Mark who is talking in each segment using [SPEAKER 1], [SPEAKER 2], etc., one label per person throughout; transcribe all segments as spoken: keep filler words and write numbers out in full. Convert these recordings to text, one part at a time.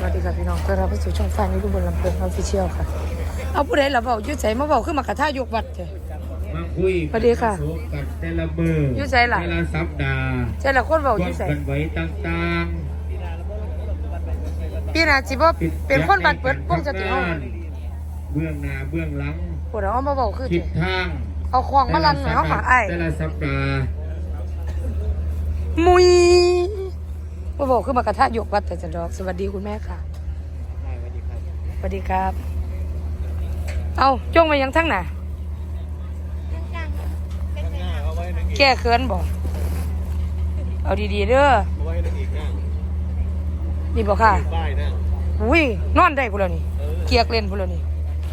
[SPEAKER 1] วัสดีค่ะพี่น้องต้อนรับเข้าสู่ช่องฟ้านี้ดูบนลำเพลินออฟฟิเชียลค่ะเอาผู้ใดล่ะเบายุ่ยใจมาเบาขึ้นมากระท่ายกวัดเถอะ
[SPEAKER 2] มาคุย
[SPEAKER 1] สวัสดีค่ะ
[SPEAKER 2] กันแต่ละมือ
[SPEAKER 1] ยุ่ยใจล่ะ
[SPEAKER 2] แต่ละสัปดาห์
[SPEAKER 1] ใจละคนเบายุ่ยใจ
[SPEAKER 2] กันไว้ต่างๆ
[SPEAKER 1] พี่นาจิบ่เป็นคนบัดเปิดป้องจะติเอา
[SPEAKER 2] เบื้องหน้าเบื้องหลัง
[SPEAKER 1] ปวดเอามาเบาคือ
[SPEAKER 2] ทิศทาง
[SPEAKER 1] เอาควงมาลันหน่อยเขาหาไอ้
[SPEAKER 2] แต่ละสัปดาห์
[SPEAKER 1] มุยมาเบาขึ้นมากระท่ายกวัดแต่จะดอกสวัสดีคุณแม่ค่ะสวัสดีครับเอาจ้องมายังทั้งหน่ะแก้เขินบ่เอาดีๆเด้อนี่บอกค่ะอุ้ยนอนได้พูดแล้วนี่เกียกเล่นพูดแล้วนี่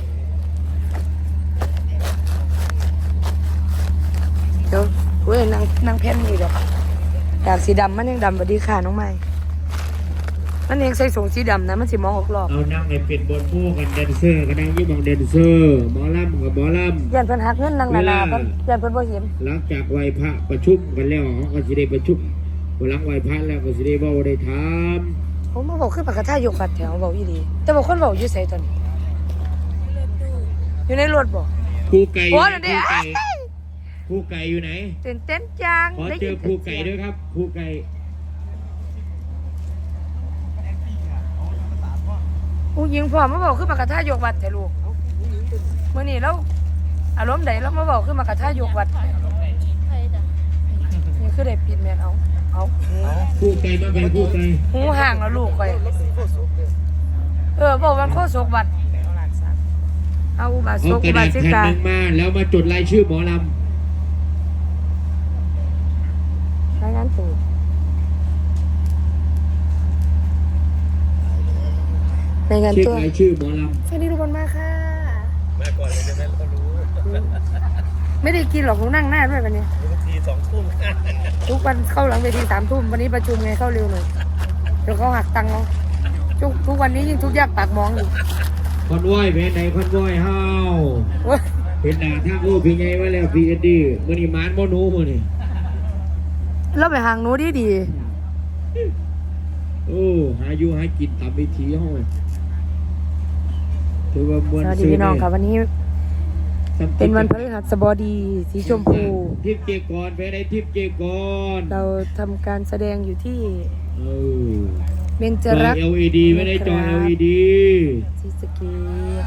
[SPEAKER 1] เดี๋ยวอุ้ยนางนางแผ่นนี่ดอกอยากสีดำมันยังดำสวัสดีค่ะน้องใหม่มันเองใส่สูงสีดำนะมันสีมองออกรอบ
[SPEAKER 2] เอานั่งในเป็นบนผู้กันแดนเซอร์กันนั่งยี่มองแดนเซอร์หมอลำกับหมอลำ
[SPEAKER 1] ยันเพิ่นหักเงินนางนานาเพิ่นยันเพิ่นบ่เห็น
[SPEAKER 2] หลังจากไหว้พระประชุมกันแล้วเขาก็สิได้ประชุมหลังไหว้พระแล้วก็สิได้เว้าได้ถาม
[SPEAKER 1] ผมมาบอกขึ้นปากกาท่ายกบัดแถวบอกอีดีแต่บอกคนบอกอยู่ไสตอนนี้อยู่ในรถบ่
[SPEAKER 2] ภูไก่ภู
[SPEAKER 1] โอ้นั่นเด้
[SPEAKER 2] ไก่ภูไก่อยู่ไหน
[SPEAKER 1] ตื่นเต้นจัง
[SPEAKER 2] ขอเจอภูไก่ด้วยครับภูไก่
[SPEAKER 1] ผู้หญิงพ่อมาบอกขึ้นปากกาท่ายกบัดแต่ลูกมื้อนี้แล้วอารมณ์ใดแล้วมาบอกขึ้นปากกาท่ายกบัดนี่คือได้ปิดแม่นเอาเอา
[SPEAKER 2] ภูไก่มาเป็นภูไก่
[SPEAKER 1] หูห่างแล้วลูกข่อยเออบอกวันโคศกบัดเอาอุบาส
[SPEAKER 2] เอา
[SPEAKER 1] ก
[SPEAKER 2] ก
[SPEAKER 1] อุ
[SPEAKER 2] ระ
[SPEAKER 1] บา
[SPEAKER 2] ดาษ
[SPEAKER 1] สิ
[SPEAKER 2] แผ่น
[SPEAKER 1] กา
[SPEAKER 2] หนึ่งมาแล้วมาจดรายชื่อหมอล
[SPEAKER 1] รายงานตัวรายงาน
[SPEAKER 2] ำเช็ค
[SPEAKER 1] ตัว
[SPEAKER 2] รายชื่อหมอลำ
[SPEAKER 1] สวัสดีทุกคนมากค่ะ
[SPEAKER 3] มาก่อนเลยจะได้เขารู้
[SPEAKER 1] ไม่ได้กินหรอกผมนั่งหน้าด้วยวันนี้
[SPEAKER 3] บางทีสองทุ่ม
[SPEAKER 1] ทุกวันเข้าหลังเวทีสามทุ่มวันนี้ประชุมไงเข้าเร็วหน่อยเดี๋ยวเขาหักตังค์เราทุกทุกวันนี้ยิ่งทุกข์ยากปากมองอยู่
[SPEAKER 2] คอนวอยเป็นไหนคอนวอยเฮา
[SPEAKER 1] เว้ย
[SPEAKER 2] เป็นหน้าทางโอ้พี่ไงว่าแล้วพี่เอ็ดดี้มื้อนี้หมานบ่หนูมื้อนี้
[SPEAKER 1] เราไปห่างหนูดีดี
[SPEAKER 2] โอ้หาอยู่หากินตามวิถีเฮาถือว่ามวล
[SPEAKER 1] สวัสดี
[SPEAKER 2] ซื่อ
[SPEAKER 1] พี่น้องค่ะวันนี้
[SPEAKER 2] ซ้ำ
[SPEAKER 1] เป็นวันพฤหัสบดีสีชมพู
[SPEAKER 2] ทิพย์เจกรไปไหนทิพย์เจกร
[SPEAKER 1] เราทำการแสดงอยู่ที่
[SPEAKER 2] เออ
[SPEAKER 1] เบญจ
[SPEAKER 2] จอ
[SPEAKER 1] รักษ์
[SPEAKER 2] แอล อี ดี ไม่ได้จอ แอล อี ดี
[SPEAKER 1] ศรีสะเกษ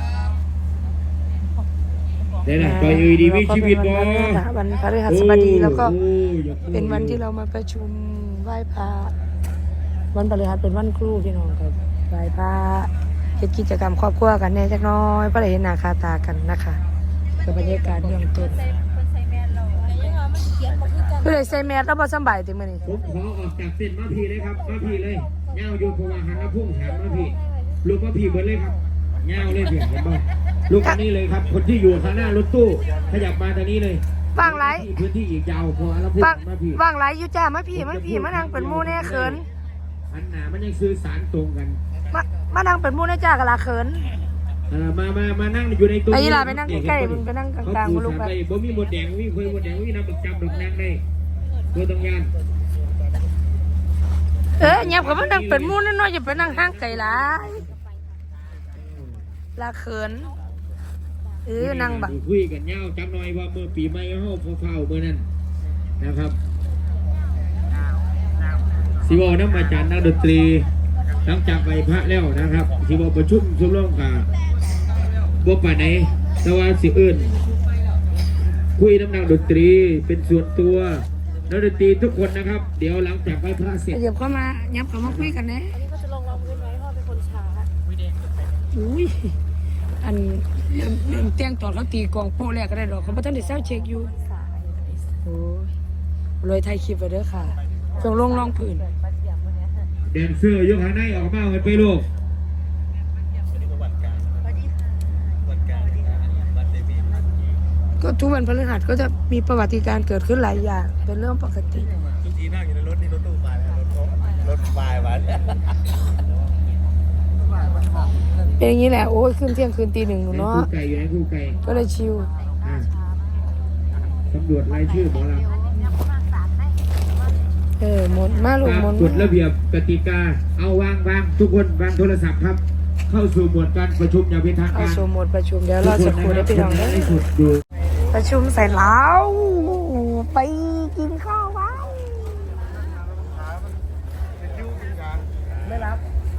[SPEAKER 2] ได้ละจอ แอล อี ดี มีชีวิตบ่
[SPEAKER 1] วันพฤหัสบดีแล้วก็
[SPEAKER 2] โอ้อยาก
[SPEAKER 1] เป็นวันที่เรามาประชุมไหว้พระวันพฤหัสเป็นวันครูพี่น้องครับไหว้พระเฮ็ดกิจกรรมครอบครัวกันแน่จักหน้อยเพราะได้เห็นหน้าค่าตากันนะคะเป็นบรรยากาศเบื้องต้นคือได้ใส่แมสแล้วบ่สำบายติมื้อนี้
[SPEAKER 2] ผมขอออกจากเส้นมาพีเลยครับมาพีเลยเงาอยู่เพราะว่าหันมาพุ่งแถมมาพีลูกมาพีเบิดเลยครับเงาเลยเพียงเห็นบ่ลูกคนนี้เลยครับคนที่อยู่ข้างหน้ารถตู้ขยับมาตรงนี้เลย
[SPEAKER 1] ว่างหลาย
[SPEAKER 2] พื้นที่อีกยาวพอแล้วพุ่ง
[SPEAKER 1] ว่าง
[SPEAKER 2] มาพี
[SPEAKER 1] ว่างหลายอยู่จ้ามาพี่มาพี่มานั่งเป็นหมู่แน่เขิน
[SPEAKER 2] อันหนามันยังสื่อสารตรงกัน
[SPEAKER 1] มามานั่งเป็นหมู่แน่จ้ากะลาเขิน
[SPEAKER 2] เออมามามานั่งอยู่ในตัว
[SPEAKER 1] ไอ้ยีราไปนั่งใกล้ๆมึงไปนั่งกลางๆ
[SPEAKER 2] บ่
[SPEAKER 1] บ่ลูกไป
[SPEAKER 2] บ่มีหมดแดงบ่มีเคยหมดแดงบ่มีน้ำบักจำดอกนางได้ตัวตรงงาน
[SPEAKER 1] เออเงียบกับมานั่งเป็นหมู่น้อยๆอย่าไปนั่งห่างไกลหลายลาเขินเออนั่งบัง
[SPEAKER 2] คุยกันยาวจังหน่อยว่าเมื่อปีใหม่เฮาเฝ้าๆเมื่อนั้นนะครับสิบอกน้ำอาจารย์นักดนตรีหลังจากไหว้พระแล้วนะครับสิบอกประชุมชุมร่วมกับบ่ป่านไหนแต่ว่าสิเอิ้นคุยน้ำนักดนตรีเป็นส่วนตัวนักดนตรีทุกคนนะครับเดี๋ยวหลังจากไหว้พระเสร็จ
[SPEAKER 1] เดี๋ยวเข้ามายับเข้ามาคุยกันนะ
[SPEAKER 4] อันนี้เขาจะลงรองพื้นไว้พ่อเป็นคนช้า
[SPEAKER 1] อุ้ยอันเรื่องเรื่องแต่งตอนเขาตีกองโป๊ะแรกก็ได้ดอกเขาบ่ทันได้เซาเช็คอยู่โอ้ยเลยถ่ายคลิปไว้เด้อค่ะช่วงลงรองพื้น
[SPEAKER 2] แดนเซอร์ยกหางในออกมากันไปลูก
[SPEAKER 1] ก็ทุกวันพฤหัสก็จะมีประวัติการเกิดขึ้นหลายอย่างเป็นเรื่องปกติ
[SPEAKER 3] ทุกทีนั่งอยู่ในรถนี่รถตู้ไปแล้วรถรถไฟมาเนี่ย
[SPEAKER 1] เป็นอย่างนี้แหละโอ้ยขึ้นเที่ยงคืนตีหนึ่งหนูเนาะ
[SPEAKER 2] คู่ไก่อยู่ไหนคู่ไก่
[SPEAKER 1] ก็เลยชิว
[SPEAKER 2] อ่ะสำรวจรายชื่อหมอลำ
[SPEAKER 1] เออหมดมาลูก
[SPEAKER 2] ตาม
[SPEAKER 1] หมด
[SPEAKER 2] กฎระเบียบกติกาเอาวางวางทุกคนวางโทรศัพท์ครับ เข้าสู่หมวดการประชุมอย่างเป็นทาง
[SPEAKER 1] เอา
[SPEAKER 2] การ
[SPEAKER 1] สู่หมดประชุมเดี๋ยวเราจะคุยได้พี่น้อง
[SPEAKER 2] ทุก
[SPEAKER 1] เด้
[SPEAKER 2] คนนะครับ
[SPEAKER 1] อ
[SPEAKER 2] สุดดู
[SPEAKER 1] ประชุมเสร็จแล้วไปกินข้าวว้าวไม่รับ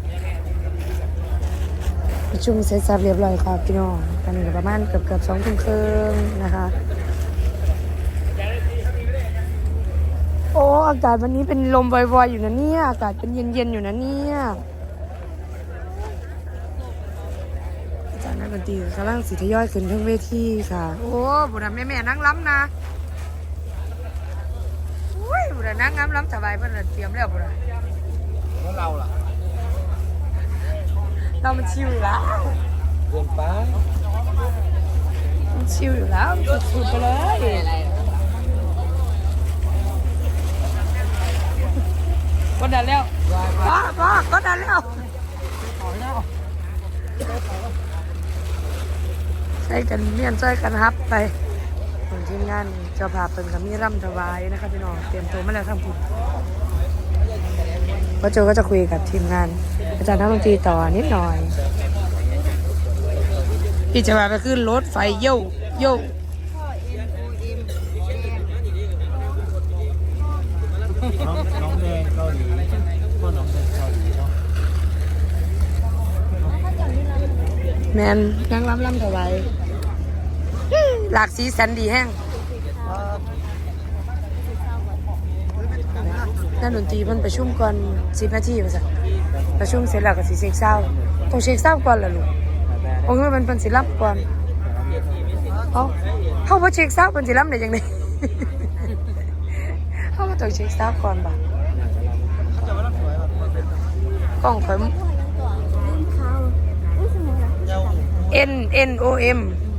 [SPEAKER 1] ประชุมเสร็จสับเรียบร้อยครับพี่น้องตอนนี้ก็ประมาณเกือบเกือบสองทุ่มครึ่งนะคะ โอ้อากาศวันนี้เป็นลมวอยๆอยู่นะเนี่ยอากาศเป็นเย็นๆอยู่นะเนี่ยอาจารย์นักดนตรีกำลังสิทยอยขึ้นทั้งเวทีค่ะ โอ้บุญแม่แม่ๆนั่งล้ำนะโอ้ยบุญนั่งล้ำล้ำสบายเพื่อนเตรียมแล้วบุญ
[SPEAKER 3] แล้วเราล่ะ
[SPEAKER 1] เรามันชิวอยู่แล้ว
[SPEAKER 3] เกินไป
[SPEAKER 1] มันชิวอยู่แล้วสุดๆไปเลยก็ดันแล้วว้าว้าก็ดันแล้วใช้กันเมียนใช้กันฮับไปของทีมงานเจ้าภาพเป็นกับมีร่ำถวายนะครับพี่น้องเตรียมตัวมาแล้วทั้งผู้พ่อโจก็จะคุยกับทีมงาน อาจารย์นักดนตรีต่อนิดหน่อยพี่จะมาไปขึ้นรถไฟโย่โย่
[SPEAKER 3] น้องน้องแดงเกาหลีพ่อน้องแดงเกาหลีเนาะ
[SPEAKER 1] แมนนั่งล้ำล้ำถวายหลากสีสันดีแห้งนักดนตรีเพิ่นประชุมก่อนสิบนาทีว่าซั่นประชุมเสร็จแล้วก็สิเช็คเศร้าต้องเช็คเศร้าก่อนล่ะลูกโอ้ยมันเป็นสิรับก่อนเอ้าเฮาบ่เช็คเศร้าเป็นสิรับได้จังได๋ เฮาบ่ต้องเช็คเศร้าก่อนบ่กล้องข่อย N N O M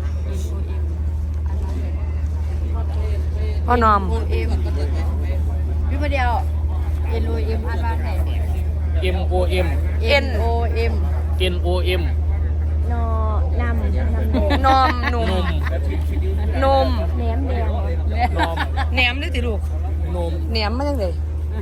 [SPEAKER 1] พ่อนอม
[SPEAKER 4] เอ็มพี่มาเดียว N O M อ่านว่าไง
[SPEAKER 5] M O M
[SPEAKER 1] N
[SPEAKER 4] O M
[SPEAKER 5] N O M
[SPEAKER 4] นอนำนำแดง
[SPEAKER 1] นอมหนุ่มนม
[SPEAKER 4] แหนมแดง
[SPEAKER 5] นอม
[SPEAKER 1] แหนมได้ติลูก
[SPEAKER 5] นม
[SPEAKER 1] แหนมมาจังได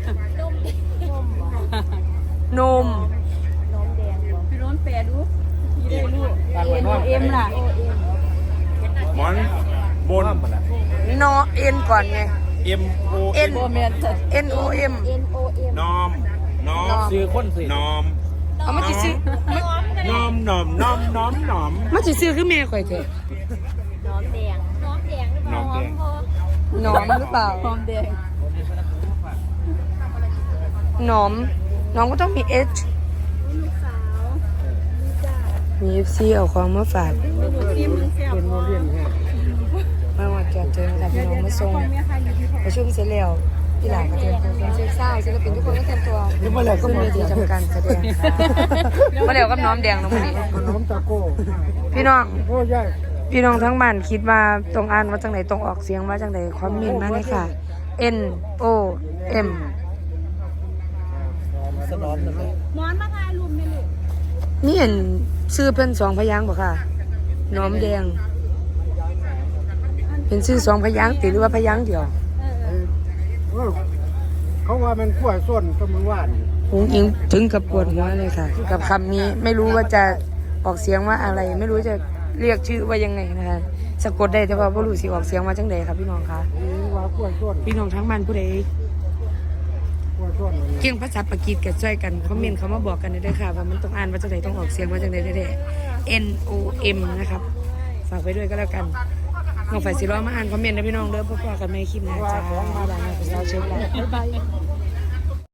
[SPEAKER 1] นม
[SPEAKER 4] น้องแดงพี่น้องแปลดูได้ลูก N O M ล่ะ
[SPEAKER 3] หมอนบน
[SPEAKER 1] นอเอ็นก่อนไง
[SPEAKER 3] M O
[SPEAKER 1] N N O M
[SPEAKER 4] N O M
[SPEAKER 3] นอมนอม
[SPEAKER 5] ซื้อคนสิ
[SPEAKER 3] นอม
[SPEAKER 1] เอามาสิซื้อน
[SPEAKER 3] อมนอมนอมนอมนอม
[SPEAKER 1] มาสิซื้อคือแม่ข่อยแท้
[SPEAKER 4] น้องแดงน้องแดงหรือเปล่า
[SPEAKER 3] น้องแดง
[SPEAKER 1] หนอมหรือเปล่า
[SPEAKER 4] น้องแดง
[SPEAKER 1] หนอมน้องก็ต้องมี H
[SPEAKER 4] ลูกสาวจ้า
[SPEAKER 1] มี F C เอาของมาฝาก
[SPEAKER 4] ลูกทีมมันแซ่บบ่
[SPEAKER 1] มาว่าจอดเจอค่ะพี่น้องมาส่ง
[SPEAKER 4] แม่ค่ะอยู่ที่
[SPEAKER 1] ประชุมเสร็จแล้วพี่หลานก็เตรียมตัวเช็คเศร้าศิลปินทุกคนก็เตรียมตัวขึ้นเวทีทำการแสดงมาแล้วกับน้อมแดงน้องคนนี้
[SPEAKER 3] น้อมตะโก้
[SPEAKER 1] พี่น้อง
[SPEAKER 3] โอ้ยาย
[SPEAKER 1] พี่น้องทั้งบ้านคิดว่าตรงอ่านว่าจังไหนตรงออกเสียงว่าจังไหนคอมเมนต์มาเลยค่ะ N O M
[SPEAKER 3] สนอนเลย
[SPEAKER 4] หมอนมาทายลุมไม่ลูก
[SPEAKER 1] นี่เห็นชื่อเพิ่นสองพยางค์บ่ค่ะน้อมแดง เป็นชื่อสองพยางค์ติหรือว่าพยางค์เดียว
[SPEAKER 3] เขาว่ามันกล้วยส้นก็มือว่าน
[SPEAKER 1] หุงอิงถึงกับปวดหัวเลยค่ะ กับคำนี้ไม่รู้ว่าจะออกเสียงว่าอะไร ไม่รู้จะเรียกชื่อว่ายังไงนะคะสะกดได้แต่ว่าบ่รู้สิออกเสียงว่าจังใดครับพี่น้องคะ
[SPEAKER 3] ว่ากล้วยส้น
[SPEAKER 1] พี่น้องทั้งบ้านผู้ใด
[SPEAKER 3] กล้วยส้น
[SPEAKER 1] เก่งภาษาปากีสกันช่วยกันคอมเมนต์เขามาบอกกันได้ค่ะว่ามันต้องอ่านว่าจังใดต้องออกเสียงว่าจังใดได้ N O M นะครับฝากไปด้วยก็แล้วกันน้องฝ่ายสิร้อมาอ่านคอมเมนต์นะพี่น้องเด้อพบกันในคลิปหน้าจ้าบ้านเราเป็นสาวเช็คแล้วบ๊ายบาย